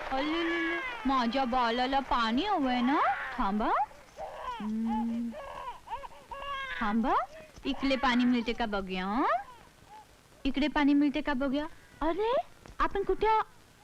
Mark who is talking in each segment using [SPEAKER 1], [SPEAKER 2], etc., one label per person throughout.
[SPEAKER 1] अल्ले, माझ्या बालाला पाणी हवंय ना. थांबा. थांबा, इकडे पाणी मिळते का बघूया. इकडे पाणी मिळते का बघूया. अरे आपण कुठे.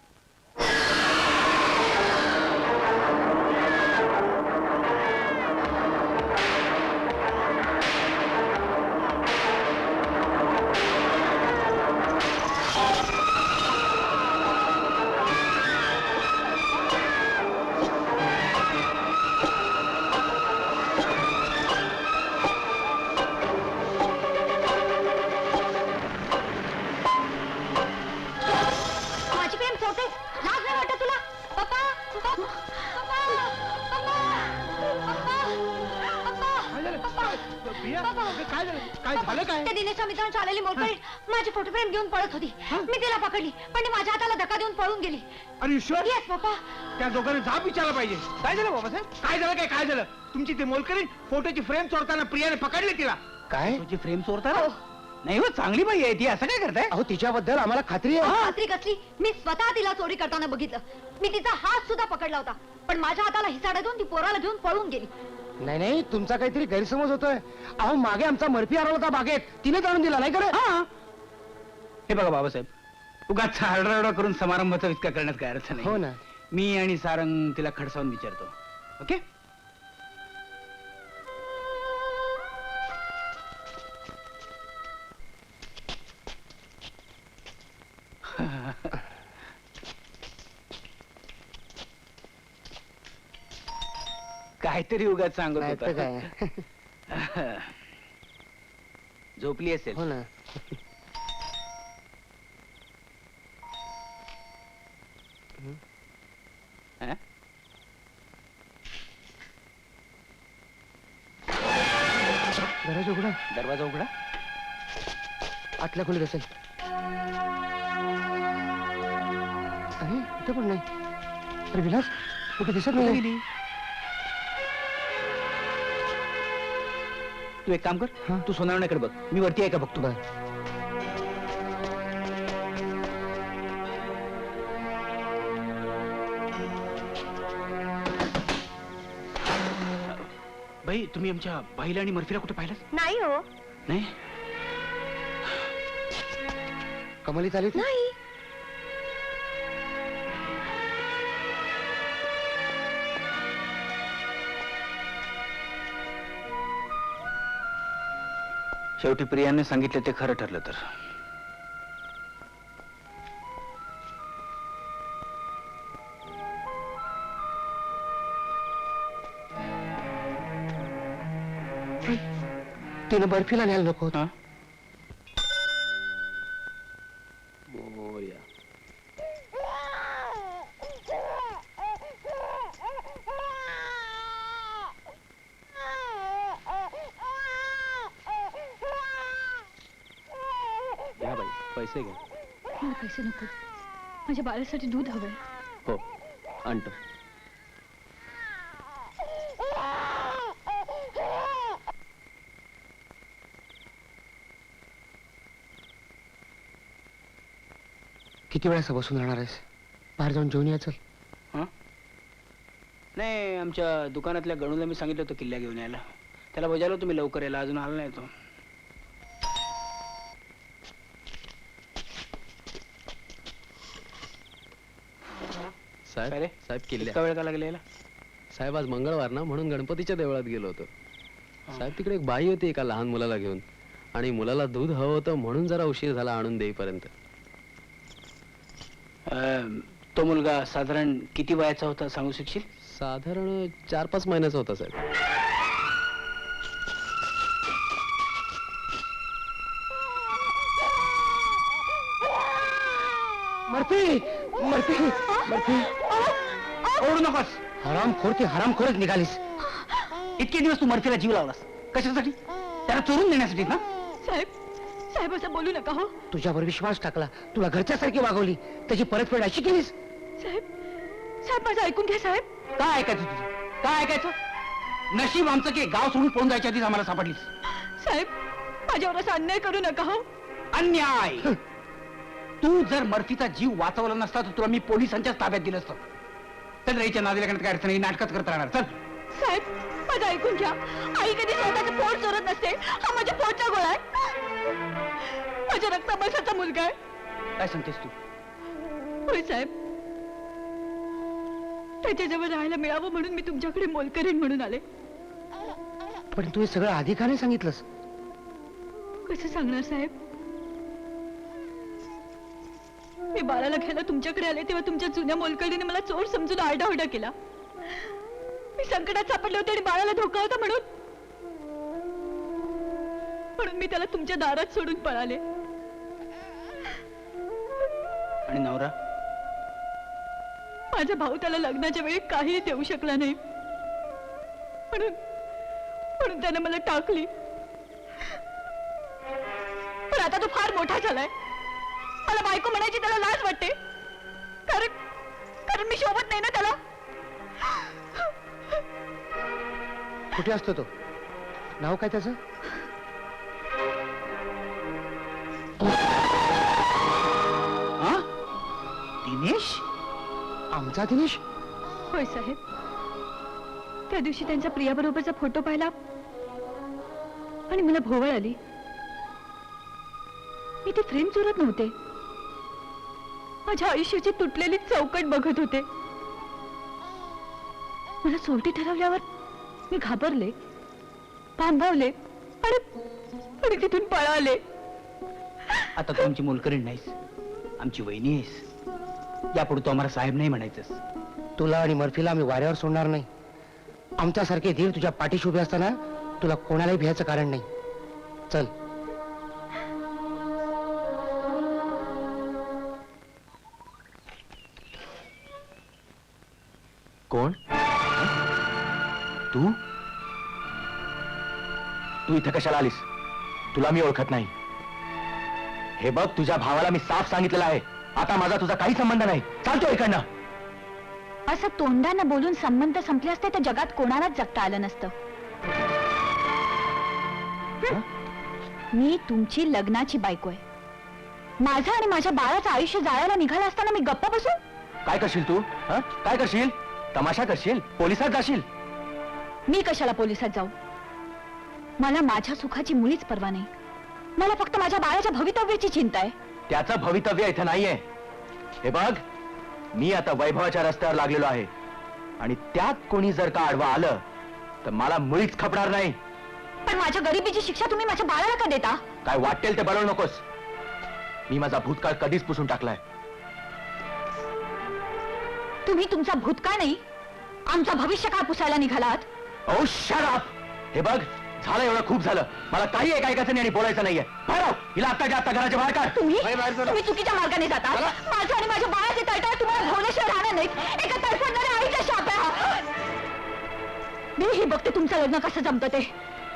[SPEAKER 2] काय झालं काय?
[SPEAKER 3] त्या दिनेशच्या मित्रांची आलेली मोलकरीण माझी फोटो फ्रेम घेऊन पळत होती. मी तिला पकडली पण ती माझ्या हाताला धक्का देऊन पळून गेली.
[SPEAKER 2] अरे ईश्वर,
[SPEAKER 3] येस पप्पा.
[SPEAKER 2] त्या दोघांना जाब विचारला पाहिजे. काय झालं बाबासाहेब? काय झालं काय झालं? तुमची ती मोलकरीण फोटोची फ्रेम चोरताना प्रियाने पकडली तिला.
[SPEAKER 4] काय?
[SPEAKER 2] तुझी फ्रेम चोरताना? नाही हो, चांगली बाई आहे ती. असं काय करताय?
[SPEAKER 4] अहो तिच्याबद्दल आम्हाला खात्री आहे.
[SPEAKER 3] खात्री कसली? मी स्वतः तिला चोरी करताना बघितलं. मी तिचा हात सुद्धा पकडला होता पण माझ्या हाताला हिसाडा देऊन ती पोराला घेऊन पळून गेली.
[SPEAKER 4] नाही नाही, तुमचा काहीतरी गैरसमज होतोय. अहो मागे आमचा मर्फी हरवला होता बागेत, तिने जाणून दिला नाही का?
[SPEAKER 2] हे बघा बाबासाहेब, उगाच आरडाओरडा करून समारंभाचा विस्कार करण्यात काय अर्थ नाही.
[SPEAKER 4] हो ना.
[SPEAKER 2] मी आणि सारंग तिला खडसावून विचारतो. ओके? काहीतरी उगाच सांगत
[SPEAKER 4] नाही तर
[SPEAKER 2] होता.
[SPEAKER 4] काय.
[SPEAKER 2] झोपली असेल.
[SPEAKER 4] हो ना.
[SPEAKER 2] हा?
[SPEAKER 4] दरवाजा उघडा.
[SPEAKER 2] दरवाजा उघडा.
[SPEAKER 4] आतल्या खोलीत असेल. अरे इथे पण नाही. अरे विलास, कुठे दिसत नाही.
[SPEAKER 2] तू एक काम कर, तू सोनावण्याकडे बघ, मी वरती आहे का बघतो. बाई, तुम्ही आमच्या बाईला आणि मर्फीला कुठे पाहिलं?
[SPEAKER 3] नाही हो.
[SPEAKER 2] नाही.
[SPEAKER 4] कमलीत आली
[SPEAKER 3] नाही.
[SPEAKER 2] शेवटी प्रियाने सांगितलं ते खरं ठरलं तर.
[SPEAKER 4] तिनं बर्फीला न्यायला नको होतं.
[SPEAKER 2] घ्या बाई, पैसे घ्या.
[SPEAKER 1] मला पैसे नको, माझ्या बाळासाठी दूध हवंय.
[SPEAKER 2] हो, आणतो.
[SPEAKER 4] किती वेळा बसून राहणार आहेस? बाहेर जाऊन जेवण यायचं.
[SPEAKER 2] नाही, आमच्या दुकानातल्या गणूला मी सांगितलं होतं किल्ल्या घेऊन यायला. त्याला बजावलं तुम्ही लवकर यायला, अजून आला नाही तो.
[SPEAKER 5] साहेब साहेब किल्ल्या.
[SPEAKER 2] इतका वेळ का लागला यायला?
[SPEAKER 5] साहेब आज मंगळवार ना, म्हणून गणपतीच्या देवळात गेलो होतो. साहेब तिकडे एक बाई होती एका लहान मुलाला घेऊन, आणि मुलाला दूध हवं होतं म्हणून जरा उशीर झाला आणून देईपर्यंत.
[SPEAKER 2] तो मुलगा साधारण किती वयाचा होता सांगू शकशील?
[SPEAKER 5] साधारण 4-5 महिन्याचा होता साहेब.
[SPEAKER 4] मर्फी मर्फी मर्फी,
[SPEAKER 2] ओरडू नकोस.
[SPEAKER 4] हरामखोर ती हरामखोरच निघालीस.
[SPEAKER 2] इतके दिवस तू मर्फीला जीव लावलास कशासाठी? त्याला चोरून देण्यासाठी ना?
[SPEAKER 1] साहेब, साहेब असं बोलू नका हो.
[SPEAKER 4] तुझ्यावर विश्वास टाकला, तुला घरच्यासारखी वागवली, त्याची परतफेड अशी केलीस.
[SPEAKER 1] साहेब, साहेब माझं ऐकून घ्या साहेब.
[SPEAKER 2] काय ऐकायचं तुझं? काय ऐकायचं? नशीब आमचं की गाव सोडून पळून जायच्या आधीच आम्हाला सापडलीस.
[SPEAKER 1] साहेब, माझ्यावर असा अन्याय करू नका हो.
[SPEAKER 2] अन्याय? तू जर मर्फीचा जीव वाचवला नसता तर तुला मी पोलिसांच्याच ताब्यात दिलं असतं. चल रेच्या नादीला करण्यात काय अर्थ नाही, नाटकच करत राहणार. चल.
[SPEAKER 3] साहेब माझं ऐकून घ्या. आई कधी स्वतःचं पोट चोरत नसते. हा माझ्या पोटचा गोळा आहे. माझ्या रक्ताबसाचा मुलगा आहे.
[SPEAKER 2] काय सांगतेस तू?
[SPEAKER 3] होय साहेब, त्याच्याजवळ राहायला मिळावं म्हणून मी तुमच्याकडे मोलकरीण म्हणून आले.
[SPEAKER 4] पण तू हे सगळं आधी का नाही सांगितलंस?
[SPEAKER 3] कसं सांगणार साहेब? मी बाळाला घ्यायला तुमच्याकडे आले तेव्हा तुमच्या जुन्या मोलकरीने मला चोर समजून आरडाओरडा केला. मी संकटात सापडले होते आणि बाळाला धोका होता म्हणून मी त्याला तुमच्या दारात सोडून पळाले.
[SPEAKER 2] आणि नवरा?
[SPEAKER 3] माझा भाऊ त्याला लग्नाच्या वेळी काही देऊ शकला नाही म्हणून त्याने मला टाकली. पण आता तो फार मोठा झालाय. मला बायको म्हणायची त्याला लाज वाटते, कारण मी शोभत नाही ना त्याला.
[SPEAKER 4] कुठे असतो तो? नाव काय त्याचं?
[SPEAKER 2] दिनेश?
[SPEAKER 4] आमचा दिनेश?
[SPEAKER 3] होय साहेब, त्या दिवशी त्यांच्या प्रियाबरोबरचा फोटो पाहिला आणि मला भोवळ आली. मी ती फ्रेम चोरत नव्हते, माझ्या आयुष्याची तुटलेली चौकट बघत होते. मला सोडती ठरवल्यावर मी घाबरले, भांबावले आणि तिथून पळाले.
[SPEAKER 2] आता तू आमची मोलकरीण नाहीस, आमची वहिनी आहेस. यापुढे तू आम्हाला साहेब नाही म्हणायचंस.
[SPEAKER 4] तुला आणि मर्फीला आम्ही वाऱ्यावर सोडणार नाही. आमच्यासारखे धीर तुझ्या पाठीशी उभे असताना तुला कोणालाही भ्यायचं कारण नाही. चल.
[SPEAKER 6] कोण? तू तू इथे कशाला आलीस? तुला मी ओळखत नाही. हे बघ, तुझ्या भावाला मी साफ सांगितलेलं आहे, आता माझा तुझा काही संबंध नाही. चालतो इकडनं.
[SPEAKER 1] असं तोंडानं बोलून संबंध संपले असते तर जगात कोणालाच जगता आलं नसतं. मी तुमची लग्नाची बायको आहे. माझं आणि माझ्या बाळाचं आयुष्य जाळायला निघालं असताना मी गप्पा बसू?
[SPEAKER 6] काय करशील तू? काय करशील? तमाशा करशील? पोलिसात जाशील?
[SPEAKER 1] मी कशाला पोलिसात जाऊ? मला माझ्या सुखाची मुळीच पर्वा नाही. मला फक्त माझ्या बाळाच्या भवितव्याची चिंता आहे.
[SPEAKER 6] त्याचं भवितव्य इथे नाहीये. हे बघ, मी आता वैभवाच्या रस्त्यावर लागलेलो आहे आणि त्यात कोणी जर का आडवा आलं तर मला मुळीच खपणार नाही.
[SPEAKER 1] पण माझ्या गरिबीची शिक्षा तुम्ही माझ्या बाळाला का देता?
[SPEAKER 6] काय वाटेल ते बनवू नकोस. मी माझा भूतकाळ कधीच पुसून टाकलाय.
[SPEAKER 1] तुम्ही तुमचा भूतकाळ नाही, आमचा भविष्यकाळ पुसायला निघालात.
[SPEAKER 6] Oh shut up. हे बघ, झालं एवढं खूप झालं. मला काही ऐकायचं नाही आणि बोलायचं नाहीये. बाहेर आव. हिला आत्ताच्या आत्ता घराच्या बाहेर काढ.
[SPEAKER 1] तुम्ही चुकीच्या मार्गाने जाता. माझ्या आणि माझ्या बाळाचे तळतळ तुम्हाला भोवल्याशिवाय राहणार नाहीत. एका तडफडणाऱ्या आईच्या शाप आहे हा. मी ही बघते तुमचं लग्न कसं जमतं ते.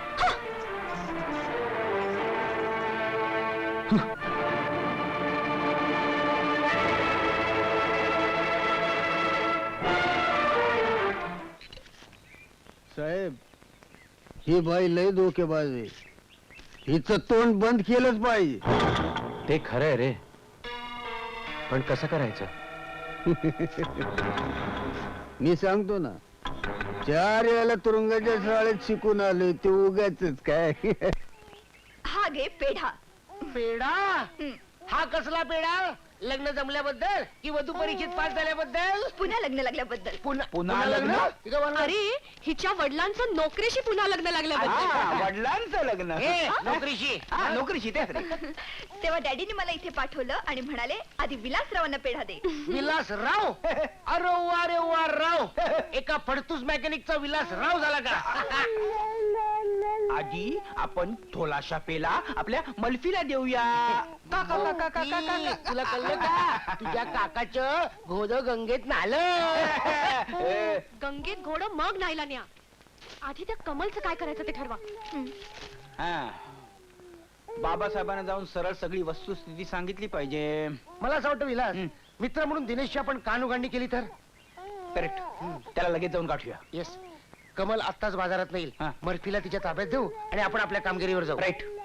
[SPEAKER 7] साहेब, ही बाई लय धोकेबाज आहे. हिचं तोंड बंद केलंच पाहिजे.
[SPEAKER 6] ते खरं आहे रे, पण कसं करायचं?
[SPEAKER 7] मी सांगतो ना, 4 याला तुरुंगाच्या शाळेत शिकून आले ते उगाच काय.
[SPEAKER 3] हा घे पेढा.
[SPEAKER 4] पेढा? हा कसला पेढा? लग्न जमल्याबद्दल की वधू परीक्षेत पास झाल्याबद्दल?
[SPEAKER 3] पुन्हा लग्न लागल्याबद्दल.
[SPEAKER 2] पुन्हा लग्न?
[SPEAKER 3] अरे हिच्या वडिलांचं नोकरीशी पुन्हा लग्न लागल्याबद्दल.
[SPEAKER 2] वडिलांचं लग्न?
[SPEAKER 4] नोकरीशी?
[SPEAKER 2] नोकरीशी तेच रे.
[SPEAKER 3] तेव्हा डॅडीने मला इथे पाठवलं आणि म्हणाले आधी विलासरावांना पेढा दे.
[SPEAKER 4] विलासराव? अरे वा राव. एका फडतूस मेकॅनिकचा विलासराव झाला का?
[SPEAKER 2] आजी, आपण थोलाशा पेला आपल्या मल्फीला देऊया.
[SPEAKER 4] तुला कळलं का? तुझ्या काकाचं घोड गंगेत नालं.
[SPEAKER 3] गंगेत घोड मग नाहीला न्या. आधी त्या कमलचं काय करायचं ते ठरवा.
[SPEAKER 2] बाबासाहेबांना जाऊन सरळ सगळी वस्तुस्थिती सांगितली पाहिजे.
[SPEAKER 4] मला असं वाटतं विलास, मित्र म्हणून दिनेशची आपण कानउघाडणी केली तर?
[SPEAKER 2] करेक्ट. त्याला लगेच जाऊन गाठूया.
[SPEAKER 4] येस. कमल आत्ताच बाजारात येईल.
[SPEAKER 2] हा.
[SPEAKER 4] मर्फीला तिच्या ताब्यात देऊ आणि आपण आपल्या कामगिरीवर जाऊ.
[SPEAKER 2] राईट.